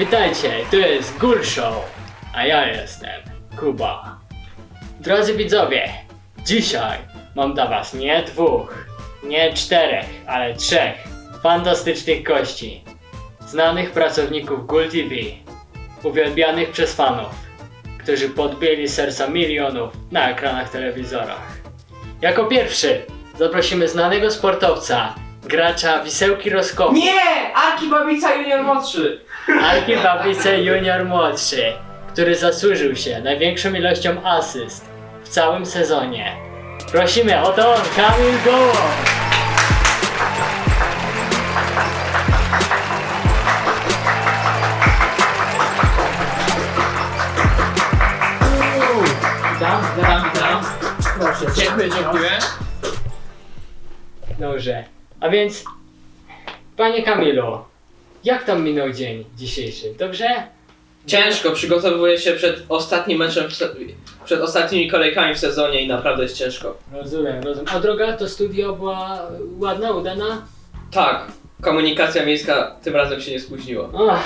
Witajcie, to jest Ghoul Show, a ja jestem Kuba. Drodzy widzowie, dzisiaj mam dla was nie 2, nie 4, ale 3 fantastycznych gości. Znanych pracowników Ghoul TV, uwielbianych przez fanów, którzy podbili serca milionów na ekranach telewizorach. Jako pierwszy zaprosimy znanego sportowca, gracza Wisełki Roskoku. Nie! Arki Babica Junior młodszy! Arki Babice Junior młodszy, który zasłużył się największą ilością asyst w całym sezonie. Prosimy, oto on, Kamil Gołąb! Witam. Proszę. Dziękuję. Dobrze, a więc, panie Kamilu, jak tam minął dzień dzisiejszy, dobrze? Ciężko, przygotowuję się przed ostatnim meczem, przed ostatnimi kolejkami w sezonie i naprawdę jest ciężko. Rozumiem. A droga to studio była ładna, udana? Tak, komunikacja miejska tym razem się nie spóźniła. O,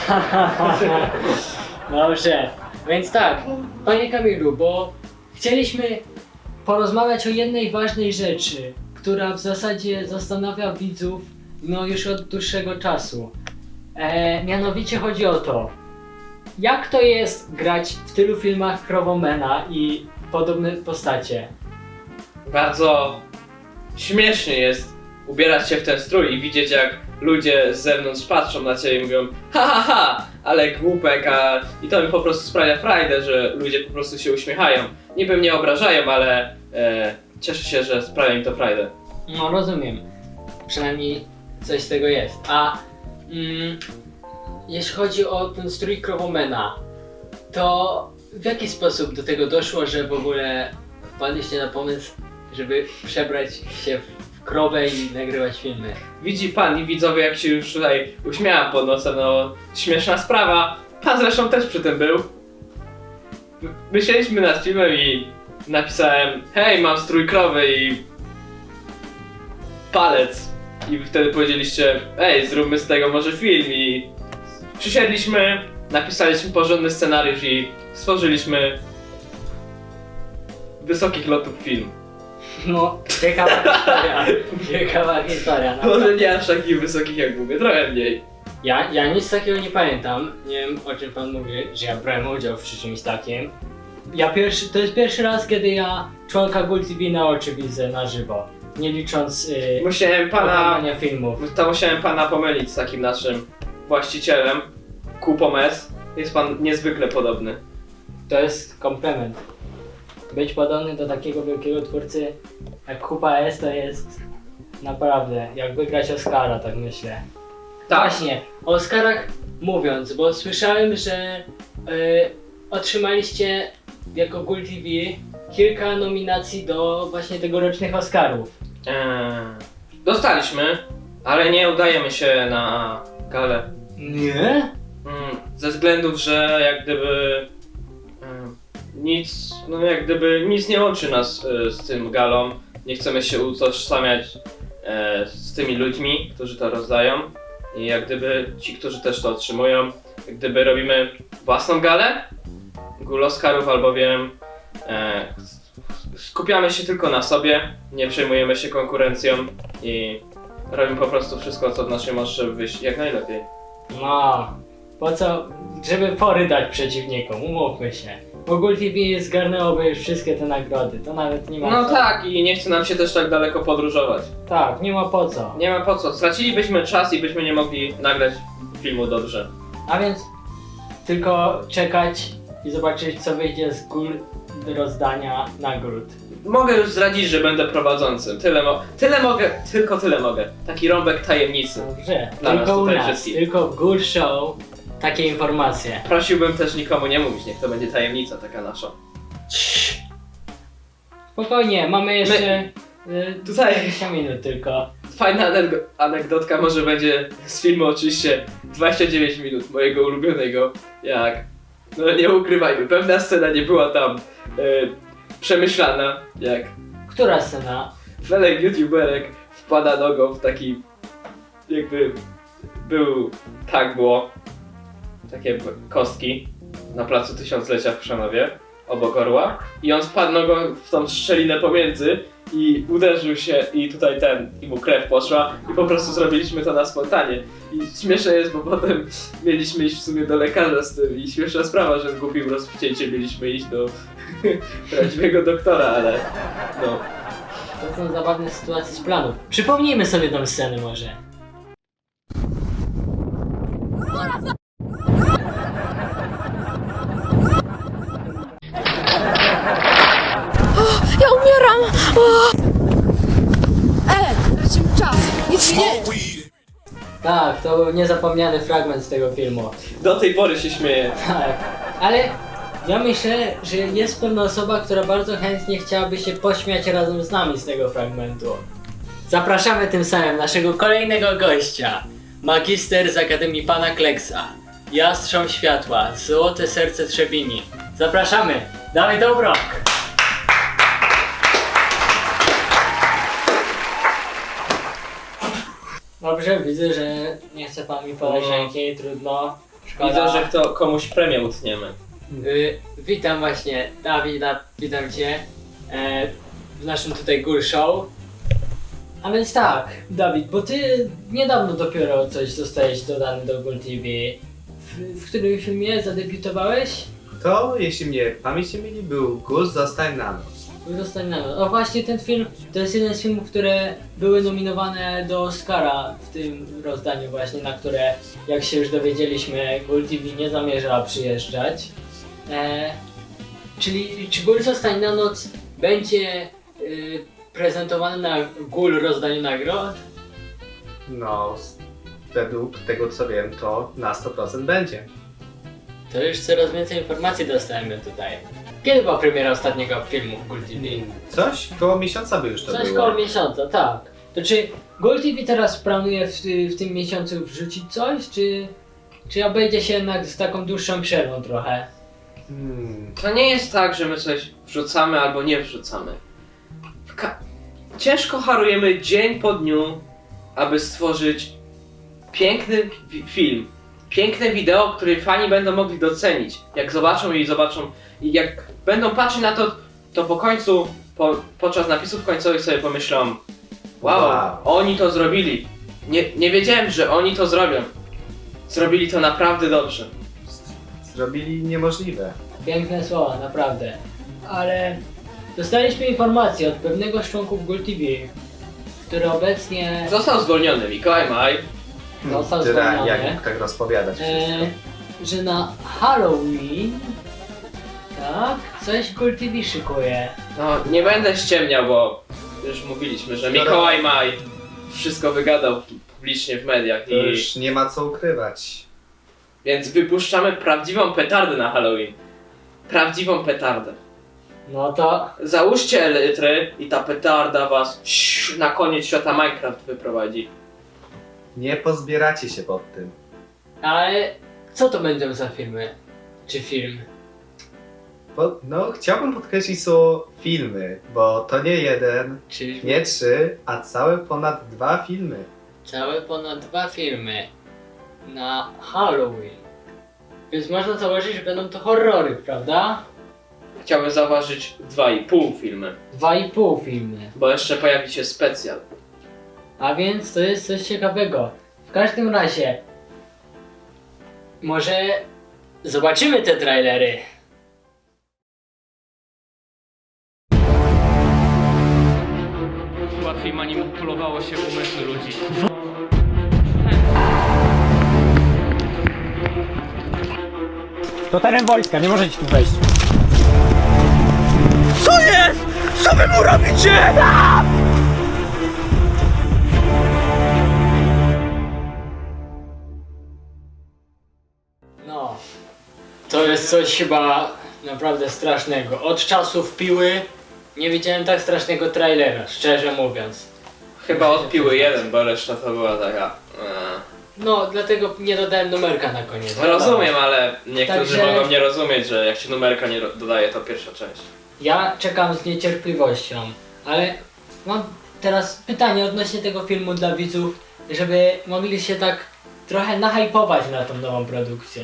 Dobrze, więc tak, panie Kamilu, bo chcieliśmy porozmawiać o jednej ważnej rzeczy, która w zasadzie zastanawia widzów już od dłuższego czasu. Mianowicie chodzi o to, jak to jest grać w tylu filmach Krowomena i podobne postacie. Bardzo śmiesznie jest ubierać się w ten strój i widzieć, jak ludzie z zewnątrz patrzą na ciebie i mówią ha, ale głupek, i to mi po prostu sprawia frajdę, że ludzie po prostu się uśmiechają. Niby mnie obrażają, ale cieszę się, że sprawia mi to frajdę. No rozumiem, przynajmniej coś z tego jest. A jeśli chodzi o ten strój Krowomena, to w jaki sposób do tego doszło, że w ogóle wpadliście na pomysł, żeby przebrać się w krowę i nagrywać filmy? Widzi pan i widzowie, jak się już tutaj uśmiałam pod nosem, no śmieszna sprawa. Pan zresztą też przy tym był. Myśleliśmy nad filmem i napisałem hej, mam strój krowy i palec. I wtedy powiedzieliście ej, zróbmy z tego może film i przysiedliśmy, napisaliśmy porządny scenariusz i stworzyliśmy wysokich lotów film. No, ciekawa historia. Może nie aż takich wysokich jak mówię, trochę mniej. Ja nic takiego nie pamiętam, nie wiem o czym pan mówi, że ja brałem udział w czymś takim. To jest pierwszy raz, kiedy ja członka Ghoul TV na oczy widzę na żywo, nie licząc Musiałem oglądania filmów. musiałem pana pomylić z takim naszym właścicielem, Kupomes. Jest pan niezwykle podobny. To jest komplement. Być podobny do takiego wielkiego twórcy jak Kupa S to jest naprawdę jak wygrać Oscara, tak myślę. Tak. Właśnie, o Oscarach mówiąc, bo słyszałem, że otrzymaliście jako Ghoul TV kilka nominacji do właśnie tegorocznych Oscarów. Dostaliśmy, ale nie udajemy się na galę. Nie? Ze względów, że jak gdyby nic nie łączy nas z tym galą. Nie chcemy się utożsamiać z tymi ludźmi, którzy to rozdają. I jak gdyby ci, którzy też to otrzymują, jak gdyby robimy własną galę Ghoul Oscarów, albowiem skupiamy się tylko na sobie, nie przejmujemy się konkurencją i robimy po prostu wszystko, co w naszej mocy, żeby wyjść jak najlepiej. No, po co? Żeby fory dać przeciwnikom, umówmy się. Bo Ghoul TV zgarnęłoby już wszystkie te nagrody, to nawet nie ma No co. tak, i nie chce nam się też tak daleko podróżować. Tak, nie ma po co. Nie ma po co, stracilibyśmy czas i byśmy nie mogli nagrać filmu dobrze. A więc tylko czekać i zobaczyć, co wyjdzie z rozdania nagród. Mogę już zdradzić, że będę prowadzącym. Tyle mogę. Taki rąbek tajemnicy. Dobrze, Dla nas tylko u tutaj nas, wszystkich. tylko w Ghoul Show takie informacje. Prosiłbym też nikomu nie mówić, niech to będzie tajemnica taka nasza. Spokojnie, mamy jeszcze Tutaj- 20 minut tylko. Fajna anegdotka może będzie z filmu oczywiście 29 minut mojego ulubionego, jak... No nie ukrywajmy, pewna scena nie była tam przemyślana, jak Która scena? Felek youtuberek wpada nogą w taki jakby tak było. takie kostki na placu Tysiąclecia w Chrzanowie, obok orła, i on spadł go w tą szczelinę pomiędzy i uderzył się i tutaj i mu krew poszła i po prostu zrobiliśmy to na spontanie. I śmieszne jest, bo potem mieliśmy iść w sumie do lekarza z tym i śmieszna sprawa, że z głupim rozwcięciem mieliśmy iść do prawdziwego doktora, ale no. To są zabawne sytuacje z planów. Przypomnijmy sobie tę scenę może. Ja umieram! O! Tracimy czas! Nic nie... Tak, to był niezapomniany fragment z tego filmu. Do tej pory się śmieję. Tak, ale ja myślę, że jest pewna osoba, która bardzo chętnie chciałaby się pośmiać razem z nami z tego fragmentu. Zapraszamy tym samym naszego kolejnego gościa. Magister z Akademii Pana Kleksa. Jastrząb Światła, Złote Serce Trzebini. Zapraszamy, Dawid Obrok! Dobrze, widzę, że nie chce pan mi podać ręki, trudno. Szkoda. Widzę, że komuś premię utniemy. Witam właśnie, Dawid, witam cię w naszym tutaj Ghoul Show. A więc tak, Dawid, bo ty niedawno dopiero coś zostałeś dodany do Ghoul TV. W którym filmie zadebiutowałeś? To, jeśli mnie pamięć nie myli, był Ghoul Zostań na noc. Zostań na noc. O właśnie, ten film to jest jeden z filmów, które były nominowane do Oscara w tym rozdaniu właśnie, na które, jak się już dowiedzieliśmy, Ghoul TV nie zamierza przyjeżdżać. Czyli czy Ghoul Zostań na noc będzie prezentowany na Ghoul rozdaniu nagród? No, według tego co wiem, to na 100% będzie. To już coraz więcej informacji dostajemy tutaj. Kiedy była premiera ostatniego filmu w Ghoul TV? Coś koło miesiąca by już to Coś było. koło miesiąca, tak. To czy Ghoul TV teraz planuje w tym miesiącu wrzucić coś, czy obejdzie się jednak z taką dłuższą przerwą trochę? To nie jest tak, że my coś wrzucamy albo nie wrzucamy. Ciężko harujemy dzień po dniu, aby stworzyć piękny film. Piękne wideo, które fani będą mogli docenić. Jak zobaczą i jak będą patrzeć na to, to po końcu, podczas napisów końcowych sobie pomyślą: wow, oni to zrobili. Nie wiedziałem, że oni to zrobią. Zrobili to naprawdę dobrze. Zrobili niemożliwe. Piękne słowa, naprawdę. Ale dostaliśmy informację od pewnego z członków Ghoul TV, który obecnie Został zwolniony Mikołaj Maj. został Tyle, zwolniony. jak mógł tak rozpowiadać wszystko. Że na Halloween, tak, coś Ghoul TV szykuje. No, nie będę ściemniał, bo już mówiliśmy, że Mikołaj Maj wszystko wygadał publicznie w mediach To już nie ma co ukrywać. Więc wypuszczamy prawdziwą petardę na Halloween. Prawdziwą petardę. No to Załóżcie elytry i ta petarda was na koniec świata Minecraft wyprowadzi. Nie pozbieracie się pod tym. ale co to będą za filmy? Czy film? No, chciałbym podkreślić słowo filmy, bo to nie jeden, Czy nie 3, a całe ponad 2 filmy. całe ponad 2 filmy na Halloween. Więc można założyć, że będą to horrory, prawda? Chciałbym zauważyć 2,5 filmy, 2,5 filmy. bo jeszcze pojawi się specjal. A więc to jest coś ciekawego. W każdym razie może zobaczymy te trailery. Łatwiej manipulowało się umysły ludzi. To teren wojska, nie możecie tu wejść. Co jest? Co wy mu robicie? No, to jest coś chyba naprawdę strasznego. Od czasów Piły nie widziałem tak strasznego trailera, szczerze mówiąc. Chyba odpiły jeden, bo reszta to była taka... No, dlatego nie dodałem numerka na koniec. Rozumiem, ale niektórzy Także- mogą nie rozumieć, że jak się numerka nie dodaje, to pierwsza część. Ja czekam z niecierpliwością, ale mam teraz pytanie odnośnie tego filmu dla widzów, żeby mogli się tak trochę nahypować na tą nową produkcję.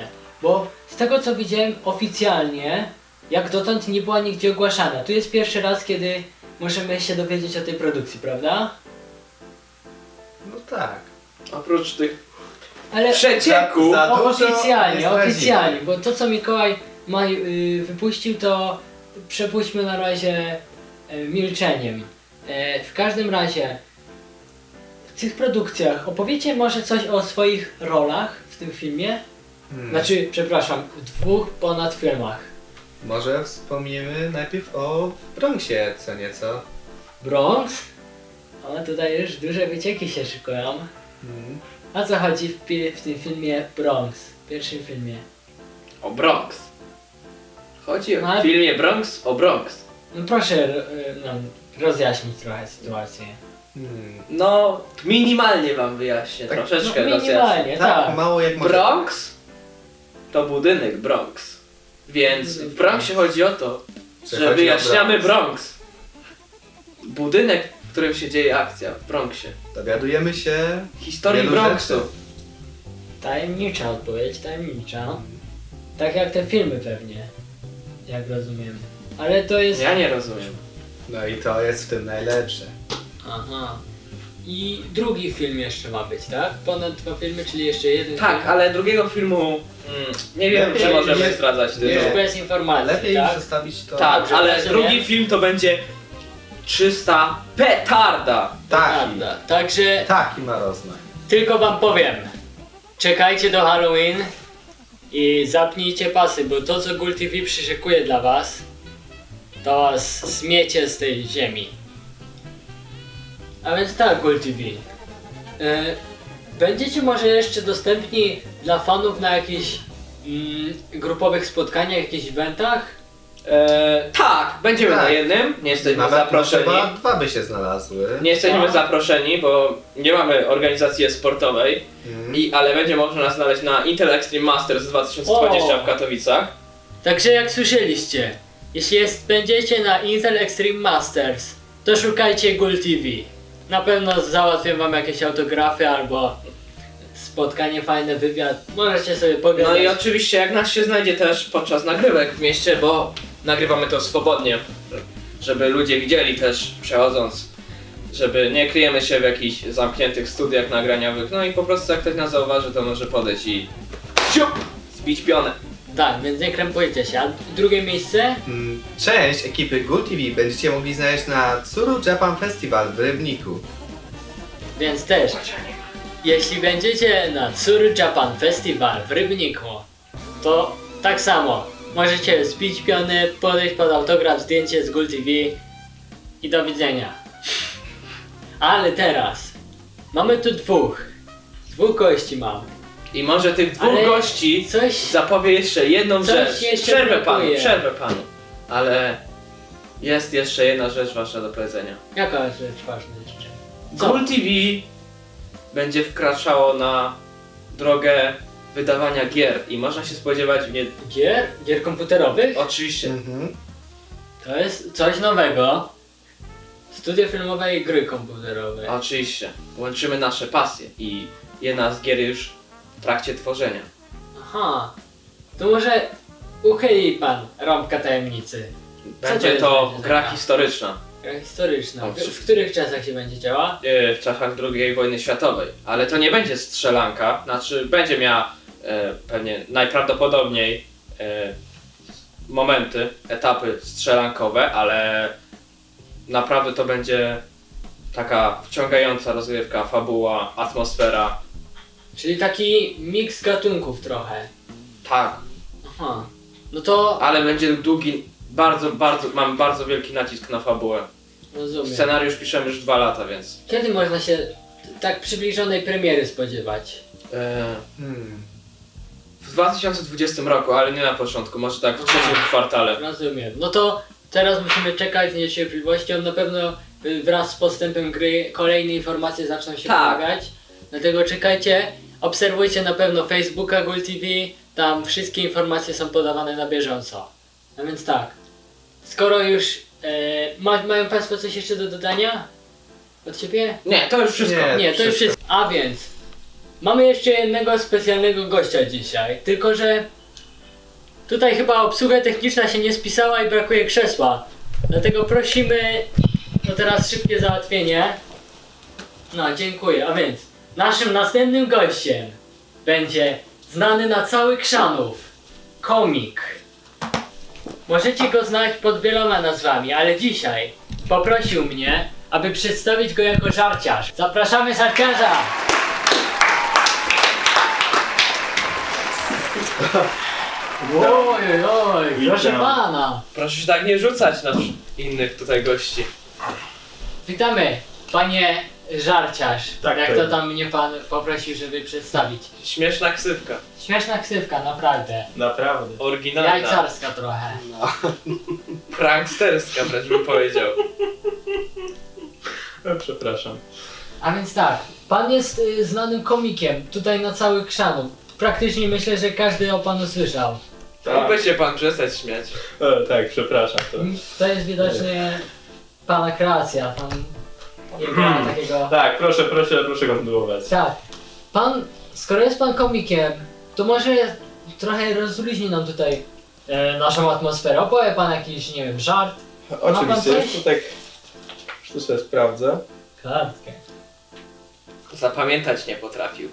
Bo z tego co widziałem oficjalnie, jak dotąd nie była nigdzie ogłaszana. Tu jest pierwszy raz, kiedy możemy się dowiedzieć o tej produkcji, prawda? No tak. Oprócz tych Ale przecieków. Za dużo oficjalnie, nie zdradzimy. oficjalnie, bo to co Mikołaj wypuścił, to przepuśćmy na razie milczeniem. W każdym razie w tych produkcjach opowiecie może coś o swoich rolach w tym filmie? Znaczy, przepraszam, w 2 ponad filmach. Może wspomnimy najpierw o Bronxie, co nieco. Bronx? O, tutaj już duże wycieki się szykują. Mm. O co chodzi w tym filmie Bronx? W pierwszym filmie. O Bronx. Chodzi Ale- w filmie Bronx o Bronx. No proszę nam rozjaśnić trochę sytuację. No, minimalnie wam wyjaśnię, Tak, troszeczkę No rozjaśnię. minimalnie, Tak, tak. mało jak może. Bronx to budynek Bronx. Więc w Bronxie chodzi o to, Że że chodzi o wyjaśniamy Bronx. Bronx. Budynek, w którym się dzieje akcja w Bronxie. Dowiadujemy się Historii wielu Bronxu. rzeczy. Tajemnicza odpowiedź, tajemnicza. Tak jak te filmy pewnie. Jak rozumiem. Ale to jest... Ja nie rozumiem. No i to jest w tym najlepsze. Aha. I drugi film jeszcze ma być, tak? Ponad 2 filmy, czyli jeszcze jeden Tak, film. ale drugiego filmu nie wiem, Lepiej czy możemy nie- zdradzać tytuł. Już nie. bez informacji, Lepiej tak? zostawić to. Tak, Dobrze, ale rozumiem. drugi film to będzie 300 petarda. Taki. Prawda. Także Taki ma rozmach. tylko wam powiem. Czekajcie do Halloween i zapnijcie pasy, bo to co Gul TV przyszykuje dla was, to was zmiecie z tej ziemi. A więc tak, Gul TV. Będziecie może jeszcze dostępni dla fanów na jakichś grupowych spotkaniach, jakichś eventach? Tak, będziemy Tak. na jednym, nie jesteśmy Nawet zaproszeni. chyba 2 by się znalazły. Nie jesteśmy No. zaproszeni, bo nie mamy organizacji sportowej, ale będzie można nas znaleźć na Intel Extreme Masters 2020 O. w Katowicach. Także jak słyszeliście, jeśli będziecie na Intel Extreme Masters, to szukajcie Gul TV. Na pewno załatwię wam jakieś autografy albo spotkanie, fajny wywiad. Możecie sobie pogadać. No i oczywiście jak nas się znajdzie też podczas nagrywek w mieście, bo nagrywamy to swobodnie, żeby ludzie widzieli też przechodząc, żeby nie kryjemy się w jakichś zamkniętych studiach nagraniowych, no i po prostu jak ktoś nas zauważy, to może podejść i siup, zbić pionę. Tak, więc nie krępujcie się. A drugie miejsce? Część ekipy Gul TV będziecie mogli znaleźć na Tsuru Japan Festival w Rybniku. Więc też, jeśli będziecie na Tsuru Japan Festival w Rybniku, to tak samo możecie zbić piony, podejść pod autograf, zdjęcie z Gul TV i do widzenia. Ale teraz mamy tu dwóch gości mam. I może tych dwóch Ale gości Coś zapowie jeszcze jedną Coś rzecz. jeszcze Przerwę brakuje. panu. Ale jest jeszcze jedna rzecz wasza do powiedzenia. Jaka rzecz ważna jeszcze? Co? Gul TV będzie wkraczało na drogę wydawania gier i można się spodziewać Gier? Gier komputerowych? oczywiście To jest coś nowego. Studio filmowe i gry komputerowe. oczywiście łączymy nasze pasje i jedna z gier już w trakcie tworzenia. Aha. To może uchyli pan rąbka tajemnicy. Będzie jest to będzie gra za gra? historyczna Gra historyczna. O, W których czasach się będzie działa? w czasach II wojny światowej, ale to nie będzie strzelanka, znaczy będzie miała pewnie najprawdopodobniej momenty, etapy strzelankowe, ale naprawdę to będzie taka wciągająca rozgrywka, fabuła, atmosfera. Czyli taki miks gatunków trochę. Tak, Aha. No to ale będzie długi, mamy bardzo wielki nacisk na fabułę. rozumiem. Scenariusz piszemy już 2 lata, więc Kiedy można się tak przybliżonej premiery spodziewać? w 2020 roku, ale nie na początku, może tak w trzecim kwartale. Rozumiem. No to teraz musimy czekać z niecierpliwością. Na pewno wraz z postępem gry kolejne informacje zaczną się Tak. pojawiać. Dlatego czekajcie. Obserwujcie na pewno Facebooka Gul TV. Tam wszystkie informacje są podawane na bieżąco. A więc tak. Skoro już mają Państwo coś jeszcze do dodania? Od Ciebie? Nie, to już wszystko. Nie. Nie, to już wszystko. wszystko. A więc mamy jeszcze jednego specjalnego gościa dzisiaj. Tylko że Tutaj chyba obsługa techniczna się nie spisała i brakuje krzesła. Dlatego prosimy o teraz szybkie załatwienie. No, dziękuję. A więc naszym następnym gościem będzie znany na cały Chrzanów komik. Możecie go znać pod wieloma nazwami, ale dzisiaj poprosił mnie, aby przedstawić go jako żarciarz. Zapraszamy żarciarza! Oj, oj, proszę pana! Proszę się tak nie rzucać na innych tutaj gości. Witamy, panie żarciarz. Tak, jak tak. to tam mnie pan poprosił, żeby przedstawić. Śmieszna ksywka. Śmieszna ksywka, naprawdę. Naprawdę. Oryginalna. Jajcarska trochę. Pranksterska wręcz bym powiedział. Przepraszam. A więc tak, pan jest znanym komikiem tutaj na cały Chrzanów. Praktycznie myślę, że każdy o panu słyszał. Mógłby się pan przestać śmiać. Tak, przepraszam. To jest widocznie pana kreacja. Pan nie gra takiego... Tak, proszę kontynuować. Tak. Pan, skoro jest pan komikiem, to może trochę rozluźni nam tutaj naszą atmosferę. Opowie pan jakiś, nie wiem, żart. Oczywiście, coś? już tu tak... Już tu sobie sprawdzę. Kartkę. Zapamiętać nie potrafił.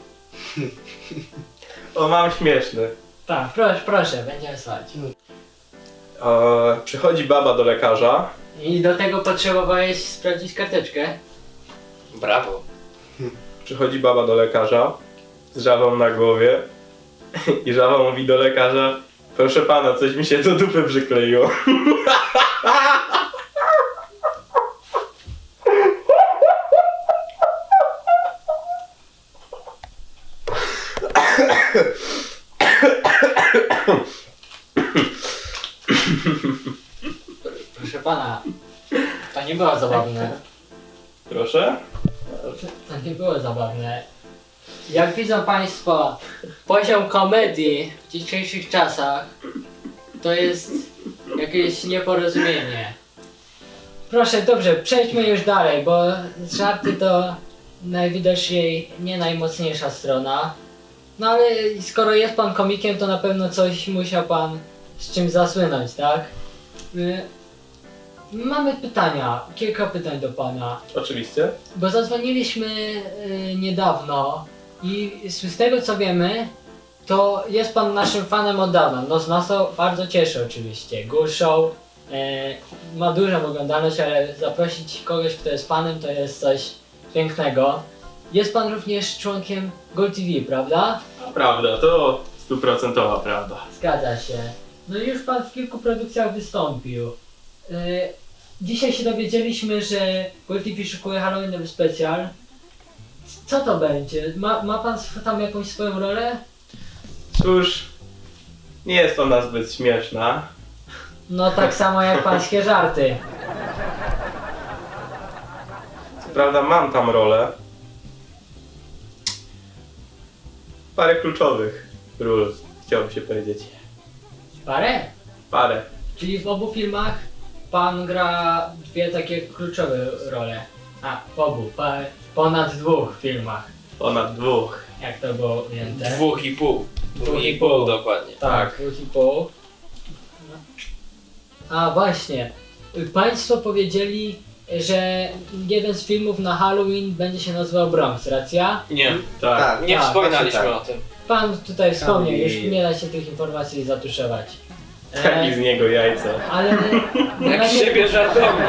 O, mam śmieszny. Tak, proszę, będziemy słuchać. Przychodzi baba do lekarza. I do tego potrzebowałeś sprawdzić karteczkę. Brawo. Przychodzi baba do lekarza z żabą na głowie i żaba mówi do lekarza: proszę pana, coś mi się do dupy przykleiło. Proszę pana, to nie było zabawne. Proszę? To nie było zabawne. Jak widzą państwo, poziom komedii w dzisiejszych czasach to jest jakieś nieporozumienie. Proszę, dobrze, przejdźmy już dalej, bo żarty to najwidoczniej nie najmocniejsza strona. No ale skoro jest pan komikiem, to na pewno coś musiał pan z czym zasłynąć, tak? Mamy pytania, kilka pytań do pana. Oczywiście. Bo zadzwoniliśmy niedawno i z tego co wiemy, to jest pan naszym fanem od dawna. No z nas to bardzo cieszy oczywiście. Ghoul Show ma dużą oglądalność, ale zaprosić kogoś, kto jest fanem, to jest coś pięknego. Jest pan również członkiem Ghoul TV, prawda? Prawda, to 100% prawda. Zgadza się. No i już pan w kilku produkcjach wystąpił. Dzisiaj się dowiedzieliśmy, że Ghoul TV szykuje Halloweenowy specjal. Co to będzie? Ma pan tam jakąś swoją rolę? Cóż, nie jest ona zbyt śmieszna. No tak samo jak pańskie żarty. Co prawda mam tam rolę. Parę kluczowych ról, chciałbym się powiedzieć. Parę? Parę. Czyli w obu filmach pan gra dwie takie kluczowe role. A, w obu, ponad dwóch filmach. Ponad dwóch. Jak to było ujęte? 2,5. 2,5 dokładnie. Tak, 2,5. A właśnie, państwo powiedzieli, że jeden z filmów na Halloween będzie się nazywał Bronx, racja? Nie, Tak. nie Tak, wspominaliśmy właśnie o tym. Pan tutaj wspomniał, już Halloween. nie da się tych informacji zatuszować. Taki z niego jajca. Ale Jak z siebie żartownik.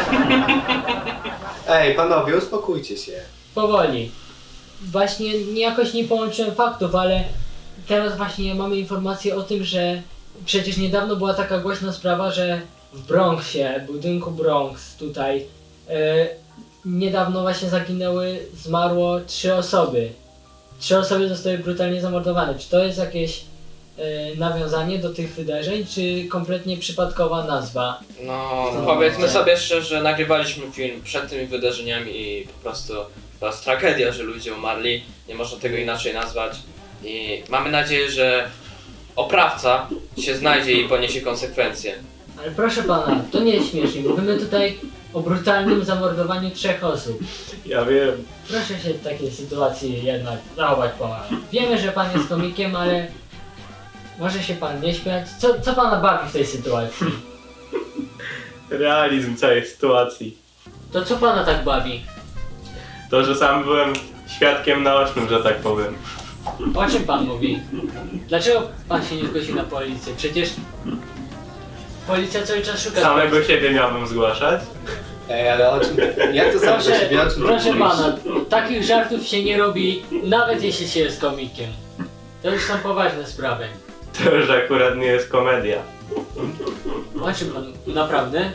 Ej, panowie, uspokójcie się. powoli. Właśnie jakoś nie połączyłem faktów, ale teraz właśnie mamy informację o tym, że przecież niedawno była taka głośna sprawa, że w Bronxie, budynku Bronx tutaj, niedawno właśnie zmarło 3 osoby. 3 osoby zostały brutalnie zamordowane. Czy to jest jakieś nawiązanie do tych wydarzeń, czy kompletnie przypadkowa nazwa? No, powiedzmy sobie szczerze, nagrywaliśmy film przed tymi wydarzeniami i po prostu to jest tragedia, że ludzie umarli. Nie można tego inaczej nazwać. I mamy nadzieję, że oprawca się znajdzie i poniesie konsekwencje. Ale proszę pana, to nie jest śmiesznie. Mówimy tutaj o brutalnym zamordowaniu 3 osób. Ja wiem. Proszę się w takiej sytuacji jednak zachować pomaga. Wiemy, że pan jest komikiem, ale może się pan nie śmiać. Co pana bawi w tej sytuacji? Realizm całej sytuacji. To co pana tak bawi? To, że sam byłem świadkiem naocznym, że tak powiem. O czym pan mówi? Dlaczego pan się nie zgłosił na policję? Przecież policja cały czas szuka... Samego siebie miałbym zgłaszać. Ej, ale o czym... Jak to sam do siebie, o czym ty Proszę mówisz? pana, takich żartów się nie robi, nawet jeśli się jest komikiem. To już są poważne sprawy. To już akurat nie jest komedia. O czym pan... Naprawdę?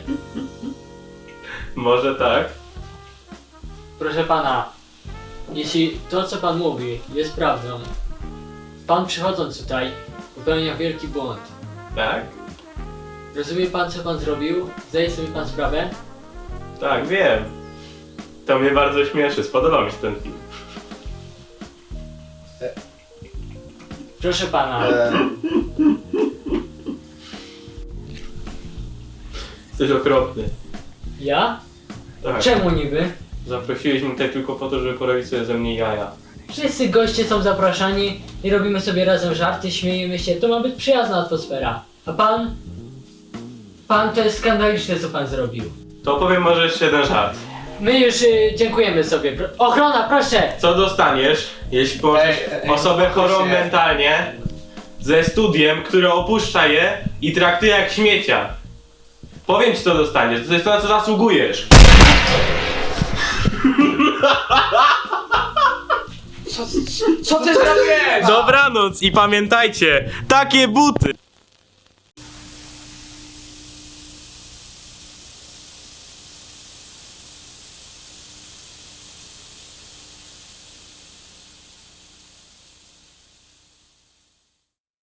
Może tak? Proszę pana, jeśli to co pan mówi jest prawdą, pan przychodząc tutaj popełnia wielki błąd. Tak? Rozumie pan co pan zrobił? Zdaje sobie pan sprawę? Tak, wiem. To mnie bardzo śmieszy, spodobał mi się ten film. Proszę pana, Jesteś okropny. ja? Tak. Czemu niby? Zaprosiłeś mnie tutaj tylko po to, żeby porobić sobie ze mnie jaja. Wszyscy goście są zapraszani i robimy sobie razem żarty, śmiejemy się. To ma być przyjazna atmosfera. A pan? Pan to jest skandaliczne co pan zrobił. To opowiem może jeszcze jeden żart. My już dziękujemy sobie. Ochrona, proszę! Co dostaniesz, jeśli położysz Ej, osobę uspokój chorą się. mentalnie ze studiem, które opuszcza je i traktuje jak śmiecia? Powiem ci co dostaniesz, to jest to na co zasługujesz. Co ty zrobiłeś? Dobranoc i pamiętajcie, takie buty!